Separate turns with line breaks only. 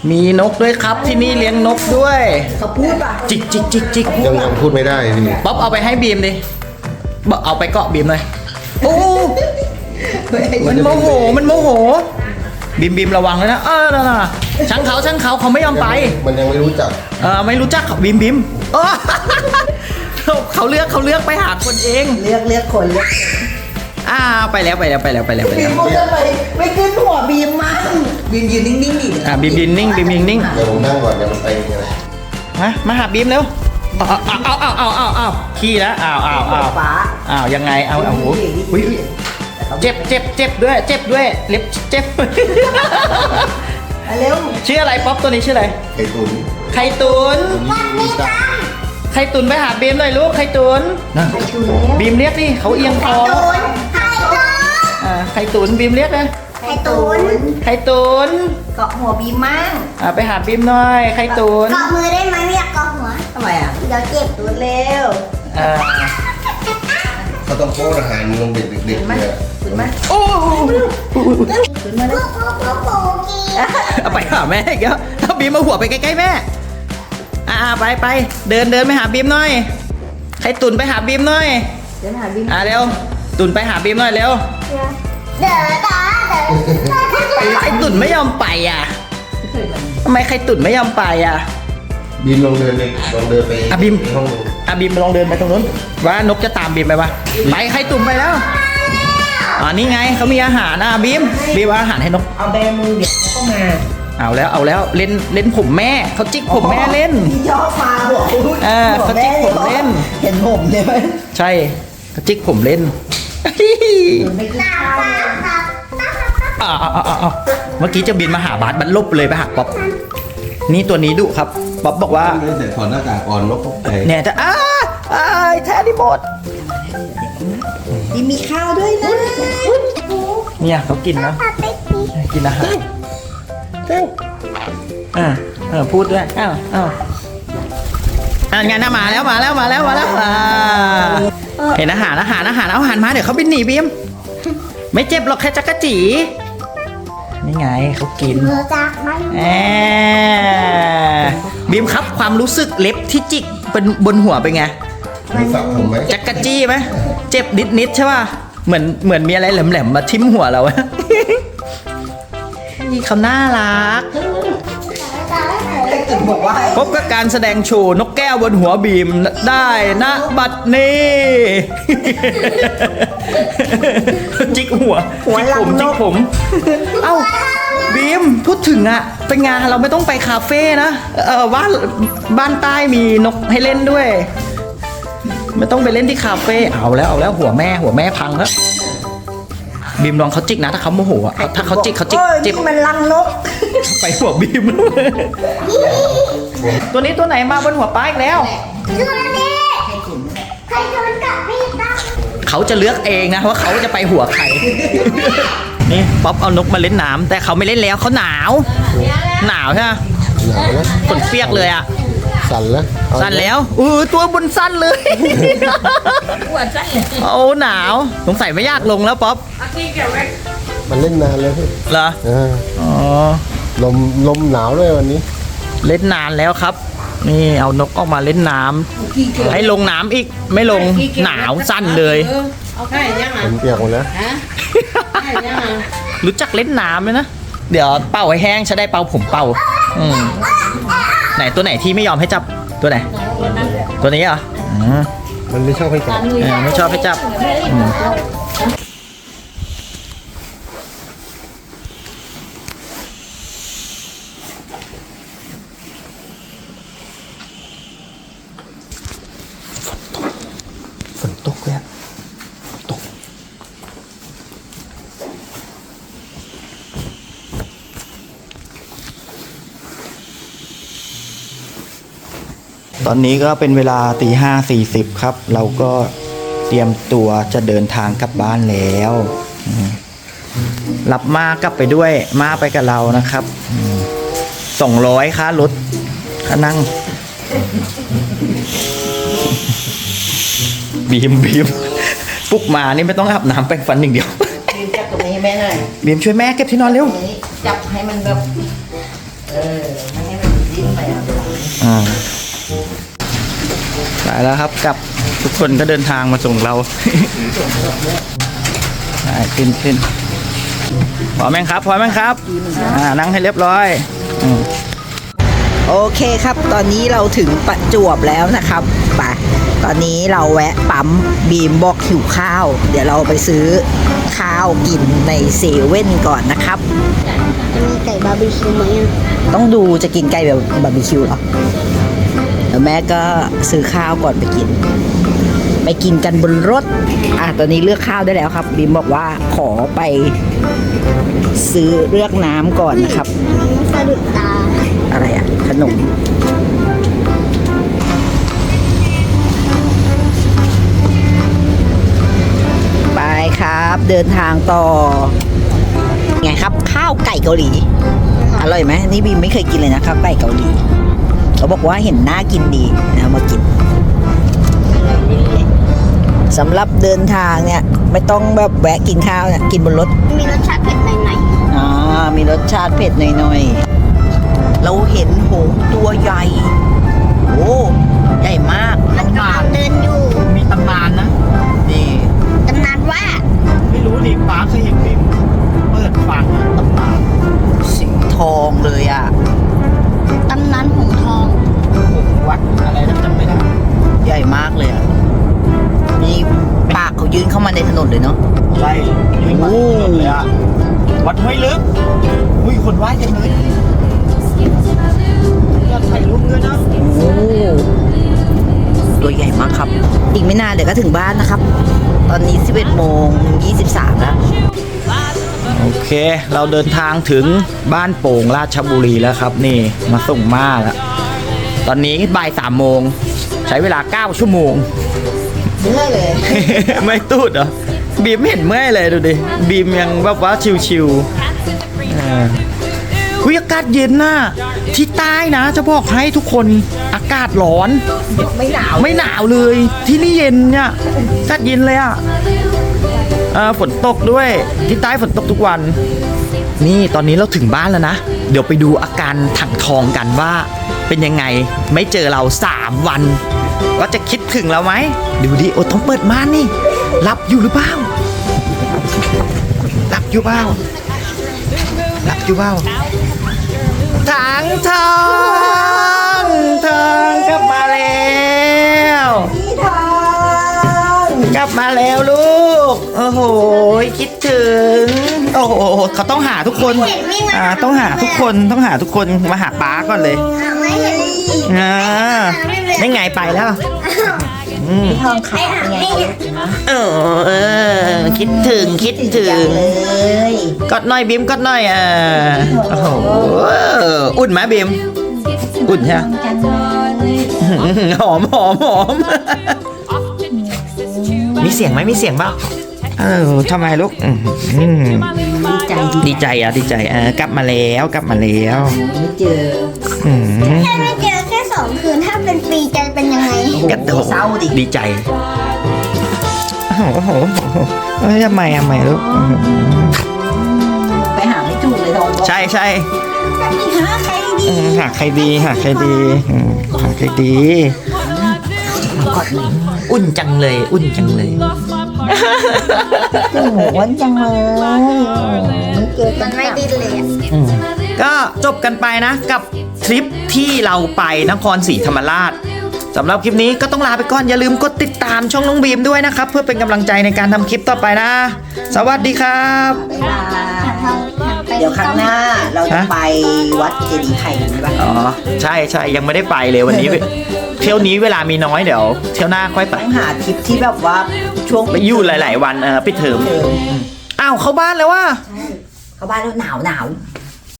มีนกด้วยครับที่นี่เลี้ยงนกด้วย
เขาพูดป่ะ
จิกจิกจิกจิก
ยังพูดไม่ได้พี่
ป๊อปเอาไปให้บีมดิบอกเอาไปเกาะบีมเลยโอ้มันโมโหมันโมโหบีมระวังเลยนะนั่นน่ะช่างเขาเขาไม่ยอมไป
มันยังไม่รู้จัก
ไม่รู้จักเขาบีมเขาเลือกไปหาคนเอง
เลือกคน
ไปแล้วบีมพูดทำไม
ไม่ขึ้นหัวบีมมั่งบีมยืนนิ่งๆดิ
บีมยืนนิ่งเ
ดี๋ยวผมนั่งก่อนเดี๋ยวมันไปยังไง
มาหาบีมเร็วเอาขี้แล้วเอายังไงเอาอุ้ยเจ็บด้วยเล็บเจ็บ
เร็ว
ชื่ออะไรป๊อปตัวนี้ชื่ออะไรไข่ตุนไปหาบีมหน่อยลูกไข่ตุนบีมเรียกดิเขาเอียงคอไข่ตุนบีมเรียกเลย
ไข่ตุนเกาะหัวบีมมั่ง
ไปหาบีมหน่อยไข่ตุน
เกาะมือได้ไหมไม่อยากเกาะหัว
ทำไม
เดี๋ยวเจ็บ
ตุนเร็ว
เขาต้องโค้ดอาหารลงเด็กๆเนี่ย
ตุนมา
โอ้
ตุนมาเลย
ไปหาแม่อีกแล้วเอาบีมมาหัวไปใกล้ๆแม่ไปเดินไปหาบีมหน่อยไข่ตุนไปหาบีมหน่อย
เดินหาบีม
เร็วตุนไปหาบีมหน่อยเร็ว
เดิน
ไข่ตุนไม่ยอมไปทำไมไข่ตุนไม่ยอมไป
บีมลองเดินไป
บีมบีมลองเดินไปตรงนู้นว่านกจะตามบีมไปปะไปไข่ตุนไปแล้วนี่ไงเขามีอาหารบีมเอาอาหารให้นก
เอาแบมือเดี๋ยวเข้ามา
เอาแล้วเล่นผมแม่เขาจิกผมแม่เล่น
พี่ชอบมาบอก
เขาจิกผมเล่น
เห็นผมเลยไหม
ใช่เขาจิกผมเล่น
ไม่กินข้
าวเมื่อกี้จะบินมาหาบาสบันลบเลยไปหาป๊อปนี่ตัวนี้ดุครับป๊อปบอกว่า
เดี๋ยวถอดหน้ากากก่อนนกตกใจ
เนี่ยจะแท้ดิบด
มีข้าวด้วยนะ
เนี่ยเขากินนะกินอาหารพูดด้วยงานมาแล้วเห็นอาหารมาเดี๋ยวเขาบินหนีบีมไม่เจ็บหรอกแค่จักรจีนี่ไงเขากินบีมครับความรู้สึกเล็บที่จิกเป็นบนหัวเป็นไงจักรจี้ไหมเจ็บนิดใช่ป่ะเหมือนมีอะไรแหลมๆมาทิ่มหัวเรานี่เขาน่ารักพบกับการแสดงโชว์นกแก้วบนหัวบีมได้ณบัดนี้จิกหัวจิกผมเอ้าบีมพูดถึงเป็นไงเราไม่ต้องไปคาเฟ่นะบ้านใต้มีนกให้เล่นด้วยไม่ต้องไปเล่นที่คาเฟ่เอาแล้วหัวแม่พังแล้วบีมลองเขาจิกนะถ้าเขาโมโหถ้าเขาจิกเจ็บ
มันลังนก
ไปหัวบีมตัวนี้ตัวไหนมาบนหัวป้าอีกแล้วเขาจะเลือกเองนะว่าเขาจะไปหัวใครนี่ป๊อปเอานกมาเล่นน้ำแต่เขาไม่เล่นแล้วเขาหนาวใช่ไหมฝนเปียกเลย
สั่น
แล้วตัวบนสั้นเลยหนาวสงสัยไม่ยากลงแล้วป๊อป
มันเล่นนานเลยพี่
เหรอ
ลมหนาวด้วยวันนี้
เล่นนานแล้วครับนี่เอานกออกมาเล่นน้ำให้ลงน้ำอีกไม่ลงหนาวสั้นเลย
ผมเปียกหมดแล้ว
รู้จักเล่นน้ำไหมนะเดี๋ยวเป่าให้แห้งจะได้เป่าผมเป่าไหนตัวไหนที่ไม่ยอมให้จับตัวไหนตัวนี้เหรอ
มันไม่ชอบให้จับ
ไม่ชอบให้จับฝนตกเลยตกตอนนี้ก็เป็นเวลา5:40ครับเราก็เตรียมตัวจะเดินทางกลับบ้านแล้วรับมากลับไปด้วยมาไปกับเรานะครับ200ค่ารถค่านั่งบีมปลุกมานี่ไม่ต้องอาบน้ำแปรงฟันอย่างเดียว
บีมจับตรงนี้ให้แม่หน่อย
บีมช่วยแม่เก็บที่นอนเร็ว
จับให้มันแบบ
ไปแล้วครับกลับทุกคนก็เดินทางมาส่งเรา ขึ้นพร้อมไหมครับพร้อมไหมครับนั่งให้เรียบร้อย
โอเคครับตอนนี้เราถึงประจวบแล้วนะครับไปตอนนี้เราแวะปั๊มบีมบอกหิวข้าวเดี๋ยวเราไปซื้อข้าวกินในเซเว่นก่อนนะครับ
มีไก่บาร์บีคิวไหมอ่ะ
ต้องดูจะกินไก่แบบบาร์บีคิวเหรอเดี๋ยวแม่ก็ซื้อข้าวก่อนไปกินกันบนรถตอนนี้เลือกข้าวได้แล้วครับบีมบอกว่าขอไปซื้อเลือกน้ำก่อนนะครับ
มันสะดุดตา
อะไรขนมไปครับเดินทางต่อไงครับข้าวไก่เกาหลีอร่อยไหมนี่บีมไม่เคยกินเลยนะข้าวไก่เกาหลีเขาบอกว่าเห็นน่ากินดีนะมากินสำหรับเดินทางเนี่ยไม่ต้องแบบแวะกินข้าวเนี่ยกินบนรถ
มีรสชาติเผ็ดหน่อย
มีรสชาติเผ็ดหน่อยๆเราเห็นหงส์ตัวใหญ่โอ้ใหญ่มาก
ๆมันกำลังเดินอยู่
มีตำนานนะนี่
ตำนานว่า
ไม่รู้ดิป้าเคยเห็นฟิล์มเปิดฟังตำนาน
สีทองเลยอ่ะ
ตำนานหงส์ทอง
วัดอะไรนะจำไม่ได้
ใหญ่มากเลยอ่ะมีปากเขายื่นเข้ามาในถนนเลยเนาะ
ใช่ยืนมาเลยอ่ะวัดห้วยลึกอุ้ยคนว่ายเต็มเลยยอดถ่ายรูปด้วยนะ
โอ้ตัวใหญ่มากครับ อีกไม่นานเดี๋ยวก็ถึงบ้านนะครับ ตอนนี้ 11:23 แล้ว
โอเค เราเดินทางถึงบ้านโป่งราชบุรีแล้วครับนี่มาส่งม่าแล้วตอนนี้บ่าย3 โมงใช้เวลา9 ชั่วโมง
เมื่อยเลย
ไม่ตูดเหรอบีมไม่เห็นเมื่อยเลยดูดิบีมยังแบบว่าชิวๆคุยอากาศเย็นน่ะที่ใต้นะจะบอกให้ทุกคนอากาศร้อน
ไม่หนาว
ไม่หนาวเลยที่นี่เย็นเนี่ยอากาศเย็นเลยอ่ะฝนตกด้วยที่ใต้ฝนตกทุกวัน นี่ตอนนี้เราถึงบ้านแล้วนะเดี๋ยวไปดูอาการถังทองกันว่าเป็นยังไงไม่เจอเรา3 วันว่าจะคิดถึงเราไหมดูดิโอ้ต้องเปิดม่านนี่หลับอยู่หรือเปล่าหลับอยู่เปล่าหลับอยู่เปล่าถังทองกลับมาแล้วกลับมาแล้วลูกโอ้โหคิดถึงโอ้โหเขาต้องหาทุกคนต้องหาทุกคนมาหาป้าก่อนเลย
ไม่เห็น
ได้ไงไปแล้ว
ทองขาวไง
คิดถึงกดหน่อยบีมกดหน่อยโอ้โหอุ่นไหมบีมอุ่นใช่ไหมหอมมีเสียงไหมมีเสียงเปล่าทำไมลูกดีใจกลับมาแล้ว
ไม่เจอ
แค่ไม่เจอแค่2 คืนถ้าเป็นปีจะเป็นยังไง
กระโดด
เศร้าดิ
ดีใจโอ้โหทำไมลูก
ไปหาไม่ถูกเลยทอง
ใช่
หาใครดี
หาใครดีอุ่นจังเลย
หวนจังเลยไม่เจอกั
มัน นไม่ดิ้นเลยอะ
ก็จบกันไปนะกับทริปที่เราไปนครศรีธรรมราชสำหรับคลิปนี้ก็ต้องลาไปก่อนอย่าลืมกดติดตามช่องน้องบีมด้วยนะครับเพื่อเป็นกำลังใจในการทำคลิปต่อไปนะสวัสดีครับ
เดี๋ยวครั้งหน้าเราจะไปวัดเจดีย์ไข่กันไหมบ้าง
อ๋อใช่ยังไม่ได้ไปเลยวันนี้ เที่ยวนี้เวลามีน้อยเดี๋ยวเที่ยวหน้าค่อยไป
ต้องหาทริปที่แบบว่าช่วง
ไปอยู่หลายๆวันปิดเทอมอ้าวเข้าบ้านแล้วว่ะ
เข้าบ้านแล้วหนาว